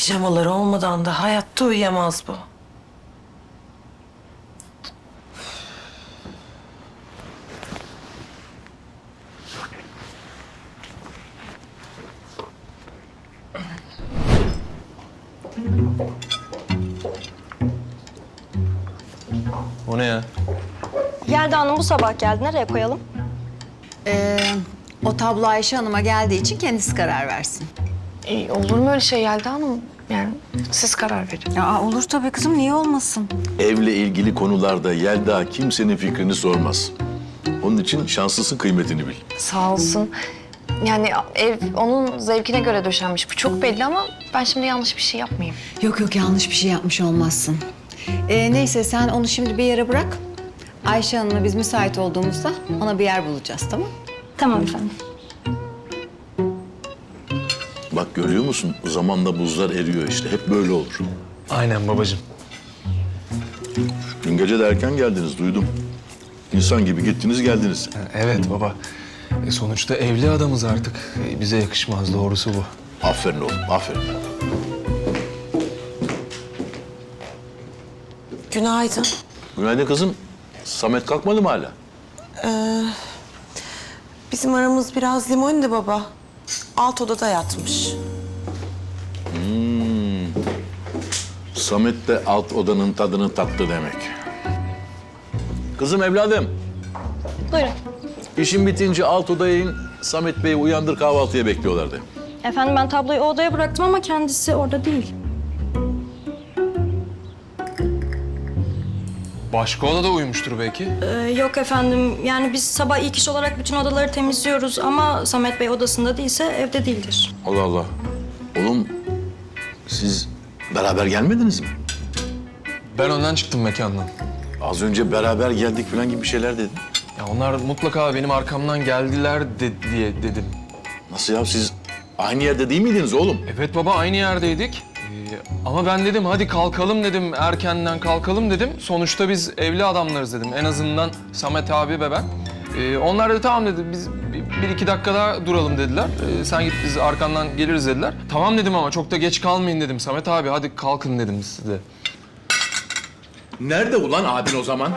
Pijamaları olmadan da hayatta uyuyamaz bu. O ne ya? Yelda Hanım bu sabah geldi. Nereye koyalım? O tablo Ayşe Hanım'a geldiği için kendisi karar versin. Olur mu öyle şey Yelda Hanım? Yani siz karar verin. Aa, olur tabii kızım, niye olmasın? Evle ilgili konularda Yelda kimsenin fikrini sormaz. Onun için şanslısın, kıymetini bil. Sağ olsun. Yani ev onun zevkine göre döşenmiş. Bu çok belli ama ben şimdi yanlış bir şey yapmayayım. Yok yok, yanlış bir şey yapmış olmazsın. Neyse, sen onu şimdi bir yere bırak. Ayşe Hanım'la biz müsait olduğumuzda ona bir yer bulacağız, tamam? Tamam efendim. Bak görüyor musun? Zamanla buzlar eriyor işte. Hep böyle olur. Aynen babacığım. Dün gece de erken geldiniz, duydum. İnsan gibi gittiniz geldiniz. Evet baba. Sonuçta evli adamız artık. Bize yakışmaz, doğrusu bu. Aferin oğlum, aferin. Günaydın. Günaydın kızım. Samet kalkmadı mı hala? Bizim aramız biraz limonlu baba. Alt odada yatmış. Samet de alt odanın tadını tattı demek. Kızım evladım, Buyurun. işin bitince alt odaya in. Samet Bey'i uyandır, kahvaltıya bekliyorlardı. Efendim ben tabloyu o odaya bıraktım ama kendisi orada değil. Başka odada uyumuştur belki. Yok efendim. Yani biz sabah ilk iş olarak bütün odaları temizliyoruz ama Samet Bey odasında değilse evde değildir. Allah Allah. Oğlum, siz beraber gelmediniz mi? Ben önden çıktım mekandan. Az önce beraber geldik falan gibi bir şeyler dedin. Ya onlar mutlaka benim arkamdan geldiler diye dedim. Nasıl ya, siz aynı yerde değil miydiniz oğlum? Evet baba, aynı yerdeydik. Ama ben dedim hadi kalkalım dedim, erkenden kalkalım dedim. Sonuçta biz evli adamlarız dedim. En azından Samet abi ve ben. Onlar da tamam dedi, biz bir iki dakika daha duralım dediler. Sen git, biz arkandan geliriz dediler. Tamam dedim ama çok da geç kalmayın dedim. Samet abi hadi kalkın dedim size. Nerede ulan abin o zaman?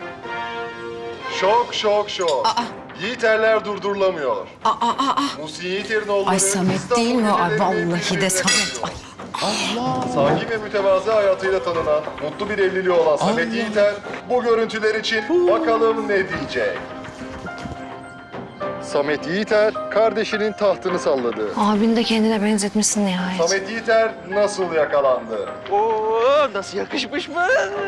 Şok şok şok. Yiğiterler durdurulamıyor. Musi Yiğiter'in Ay Samet değil mi o? Ay vallahi de Samet. Ay. Sakin ve mütevazı hayatıyla tanınan, mutlu bir evliliği olan Samet Yiğiter bu görüntüler için bakalım ne diyecek. Samet Yiğiter kardeşinin tahtını salladı. Abini de kendine benzetmişsin nihayet. Samet Yiğiter nasıl yakalandı? Oo, nasıl yakışmış mı?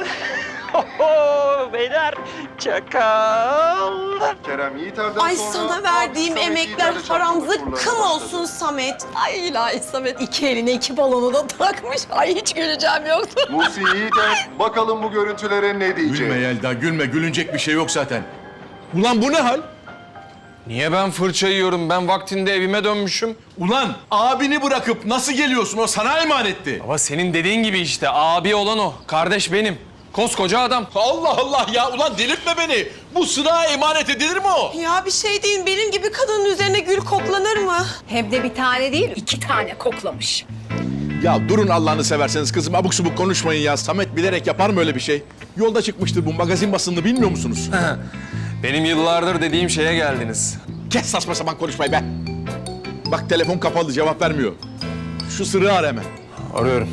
Beyler, çakal. Kerem Yiğiter'den Ay sonra... sana verdiğim Samet emekler Yiğiter de haram çarpıntı zıkkım turlarına olsun başladı. Samet. Ay ilahi Samet iki eline iki balonu da takmış. Ay hiç güleceğim yoktu. Musi Yiğiter bakalım bu görüntülere ne diyecek? Gülme Yelda, gülme. Gülünecek bir şey yok zaten. Ulan bu ne hal? Niye ben fırça yiyorum? Ben vaktinde evime dönmüşüm. Ulan abini bırakıp nasıl geliyorsun? O sana emanetti. Ama senin dediğin gibi işte, abi olan o. Kardeş benim. Koskoca adam. Allah Allah ya, ulan delirtme beni. Bu sınağa emanet edilir mi o? Ya bir şey değil, benim gibi kadının üzerine gül koklanır mı? Hem de bir tane değil, 2 tane koklamış. Ya durun Allah'ını severseniz kızım, abuk subuk konuşmayın ya. Samet bilerek yapar mı öyle bir şey? Yolda çıkmıştır bu, magazin basınını bilmiyor musunuz? Benim yıllardır dediğim şeye geldiniz. Kes saçma sapan konuşmayı be. Bak telefon kapalı, cevap vermiyor. Şu sırrı ara hemen. Arıyorum.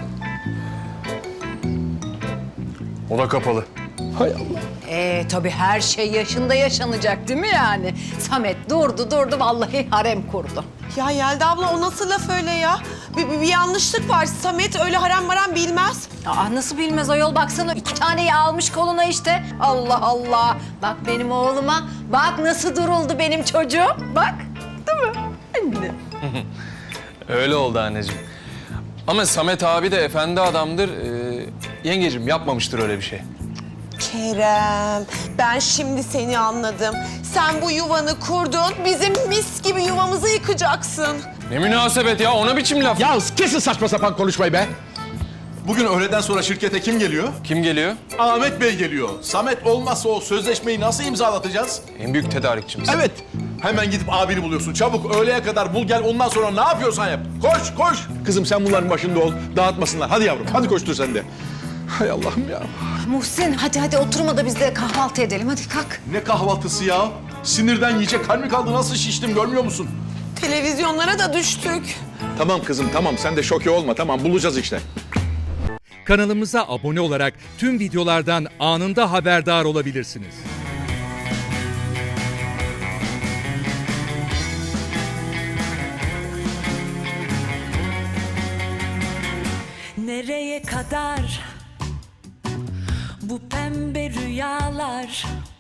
O da kapalı. Hay Allah. Tabii her şey yaşında yaşanacak değil mi yani? Samet durdu vallahi harem kurdu. Ya Yelda abla o nasıl laf öyle ya? Bir yanlışlık var. Samet öyle haram maram bilmez. Aa, nasıl bilmez ayol, baksana 2 taneyi almış koluna işte. Allah Allah. Bak benim oğluma, bak nasıl duruldu benim çocuğum. Bak, değil mi? Anne. Öyle oldu anneciğim. Ama Samet abi de efendi adamdır. Yengecim yapmamıştır öyle bir şey. Kerem, ben şimdi seni anladım. Sen bu yuvanı kurdun, bizim mis gibi yuvamızı yıkacaksın. Ne münasebet ya, ona biçim laf. Ya kesin saçma sapan konuşmayı be. Bugün öğleden sonra şirkete kim geliyor? Kim geliyor? Ahmet Bey geliyor. Samet olmazsa o sözleşmeyi nasıl imzalatacağız? En büyük tedarikçimiz. Evet. Hemen gidip abini buluyorsun. Çabuk öğleye kadar bul gel, ondan sonra ne yapıyorsan yap. Koş koş. Kızım sen bunların başında ol. Dağıtmasınlar. Hadi yavrum, hadi koştur sen de. Hay Allah'ım ya. Muhsin hadi oturma da biz de kahvaltı edelim. Hadi kalk. Ne kahvaltısı ya? Sinirden yiyecek hal mi kaldı? Nasıl şiştim görmüyor musun? Televizyonlara da düştük. Tamam kızım tamam, sen de şoke olma. Tamam, bulacağız işte. Kanalımıza abone olarak tüm videolardan anında haberdar olabilirsiniz. Nereye kadar bu pembe rüyalar?